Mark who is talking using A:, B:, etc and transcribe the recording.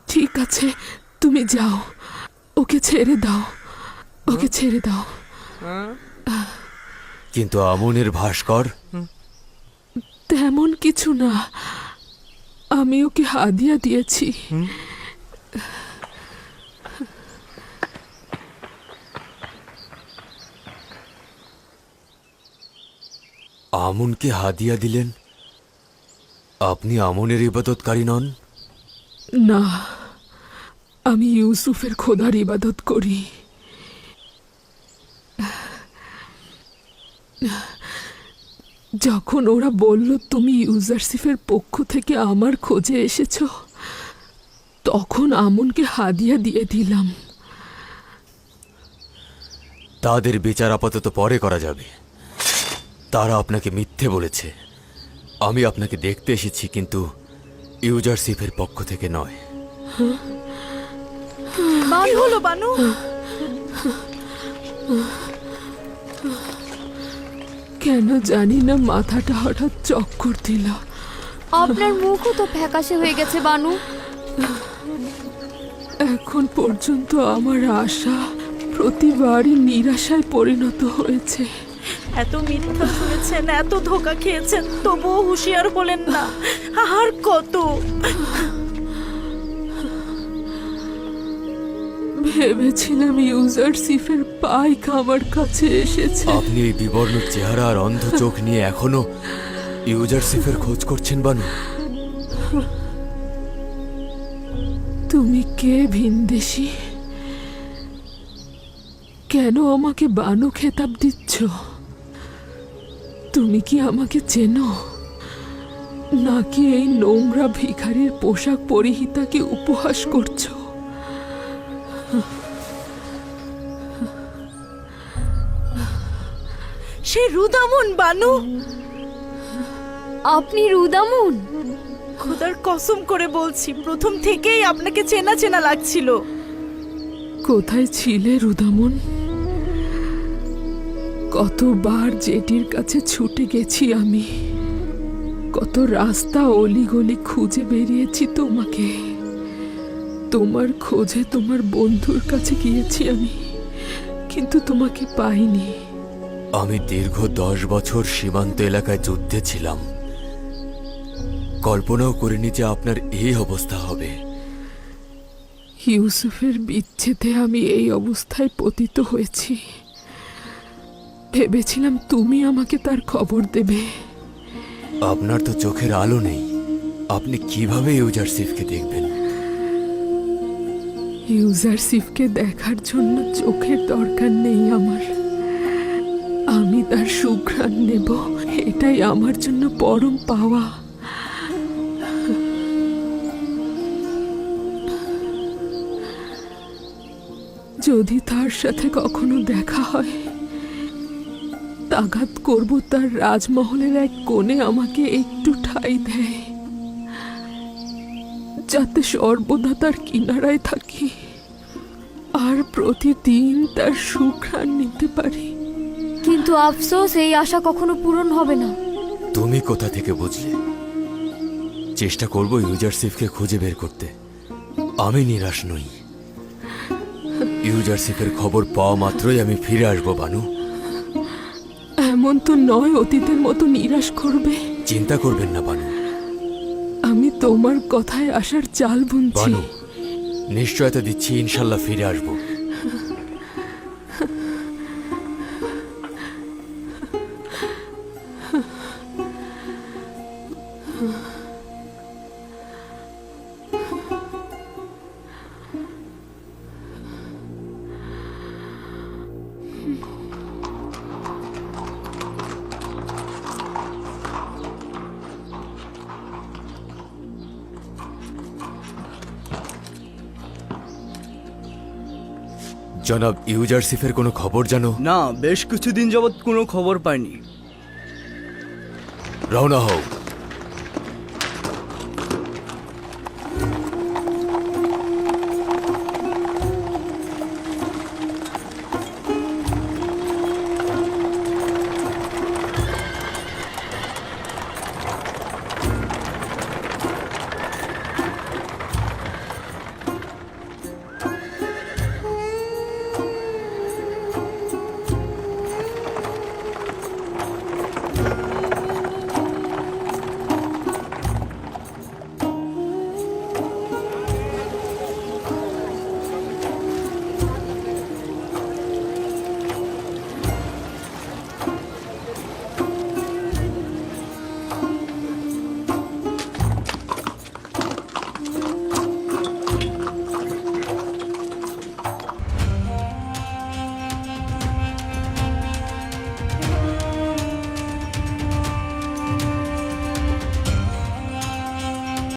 A: ঠিক আছে, তুমি যাও, ওকে ছেড়ে দাও, ওকে ছেড়ে দাও।
B: কিন্তু আমনের ভাস্কর?
A: তেমন কিছু না, আমি ওকে হাদিয়া দিয়েছি।
B: আমনকে হাদিয়া দিলেন? আপনি আমনের ইবাদতকারী নন?
A: না, আমি ইউসুফের খোদার ইবাদত করি। যখন ওরা বলল তুমি ইউজারসিফের পক্ষ থেকে আমার খোঁজে এসেছ, তখন আমনকে হাদিয়া দিয়ে দিলাম।
B: তাদের বিচার আপাতত পরে করা যাবে। তারা আপনাকে মিথ্যে বলেছে। আমি আপনাকে দেখতে এসেছি, কিন্তু ইউজারসিফের পক্ষ থেকে নয়।
C: কি হলো বানু?
A: কেন জানি না মাথাটা হঠাৎ চক্কর দিল।
C: আপনার মুখও তো ফ্যাকাশে হয়ে গেছে বানু।
A: এখন পর্যন্ত আমার আশা প্রতিবারই নিরাশায় পরিণত হয়েছে।
D: এত মিথ্যা শুনেছেন, এত ধোঁকা খেয়েছেন, তবুও হুঁশিয়ার হলেন না। আর কত?
A: ভেবেছিলাম ইউজারসিফের পাইক আমার কাছে এসেছে।
B: আপনি এই বিবর্ণ চেহারা আর অন্ধ চোখ নিয়ে এখনো ইউজারসিফের খোঁজ করছেন বানু?
A: তুমি কে ভিনদেশী? কেন আমাকে বানু খেতাব দিচ্ছ? তুমি কি আমাকে চেনো, নাকি এই নোংরা ভিখারির পোশাক পরিহিতাকে উপহাস করছো?
D: সে রুদামন বানু।
C: আপনি রুদামুন?
D: খোদার কসম করে বলছি, প্রথম থেকেই আপনাকে চেনা চেনা লাগছিল।
A: কোথায় ছিলে রুদামন? কতবার জেটির কাছে ছুটে গেছি আমি, কত রাস্তা অলিগলি খুঁজে বেরিয়েছি তোমাকে। তোমার খোঁজে তোমার বন্ধুর কাছে গিয়েছি আমি, কিন্তু তোমাকে পাইনি।
B: আমি দীর্ঘ 10 বছর সীমান্ত এলাকায় যুদ্ধে ছিলাম। কল্পনাও করিনি যে আপনার এই অবস্থা হবে।
A: ইউসুফের বিচ্ছেদে আমি এই অবস্থায় পতিত হয়েছি। ভেবেছিলাম তুমি আমাকে তার খবর দেবে।
B: আপনার তো চোখের আলো নেই, আপনি কিভাবে ইউজারসিফকে দেখবেন?
A: ইউজারসিফকে দেখার জন্য চোখের দরকার নেই আমার। আমি তার সুঘ্রাণ নেব, এটাই আমার জন্য পরম পাওয়া। যদি তার সাথে কখনো দেখা হয়, তাগাত করব তার রাজমহলের এক কোণে আমাকে একটু ঠাঁই দেয়, যাতে সর্বদা তার কিনারায় থাকি আর প্রতিদিন তার সুঘ্রাণ নিতে পারি।
C: কিন্তু আফসোস, এই আশা কখনো পূরণ হবে না।
B: তুমি কোথা থেকে বুঝলে? চেষ্টা করব ইউজারসিফকে খুঁজে বের করতে। আমি নিরাশ নই। ইউজারসিফের খবর পাওয়া মাত্রই আমি ফিরে আসবো বানু।
A: এমন তো নয় অতীতের মতো নিরাশ করবে।
B: চিন্তা করবেন না বানু।
A: আমি তোমার কথায় আসার চাল বুনছি।
B: বানু, নিশ্চয়তা দিচ্ছি ইনশাল্লাহ ফিরে আসবো। জনাব, ইউজারসিফের কোনো খবর জানো?
E: না, বেশ কিছুদিন যাবৎ কোনো খবর পাইনি।
B: রওনা হও।